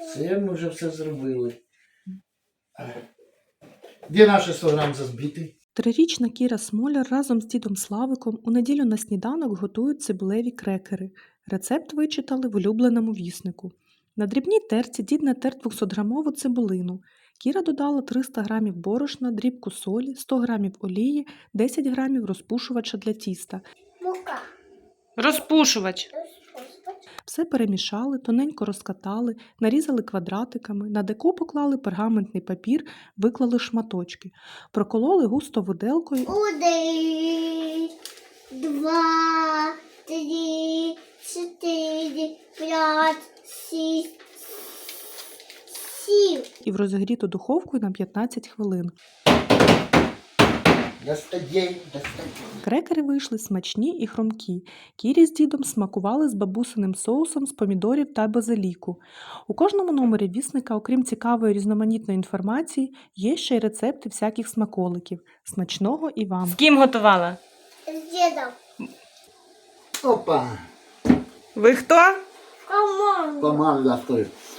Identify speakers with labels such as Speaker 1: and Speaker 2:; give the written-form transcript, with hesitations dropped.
Speaker 1: Це ми вже все зробили. Де наші 100 грам зазбитий?
Speaker 2: Трирічна Кіра Смоляр разом з дідом Славиком у неділю на сніданок готують цибулеві крекери. Рецепт вичитали в улюбленому віснику. На дрібній терці дід натер 200-грамову цибулину. Кіра додала 300 грамів борошна, дрібку солі, 100 грамів олії, 10 грамів розпушувача для тіста.
Speaker 3: Мука.
Speaker 4: Розпушувач.
Speaker 2: Все перемішали, тоненько розкатали, нарізали квадратиками, на деко поклали пергаментний папір, виклали шматочки. Прокололи густо виделкою.
Speaker 3: 1, 2, 3, 4, 5, 6, 7.
Speaker 2: І в розігріту духовку на 15 хвилин.
Speaker 1: Достаєм.
Speaker 2: Крекери вийшли смачні і хрумкі. Кірі з дідом смакували з бабусиним соусом з помідорів та базиліку. У кожному номері вісника, окрім цікавої різноманітної інформації, є ще й рецепти всяких смаколиків. Смачного і вам!
Speaker 4: З ким готувала?
Speaker 3: З дідом.
Speaker 1: Опа.
Speaker 4: Ви хто?
Speaker 3: Команда.
Speaker 1: Команда стоїть.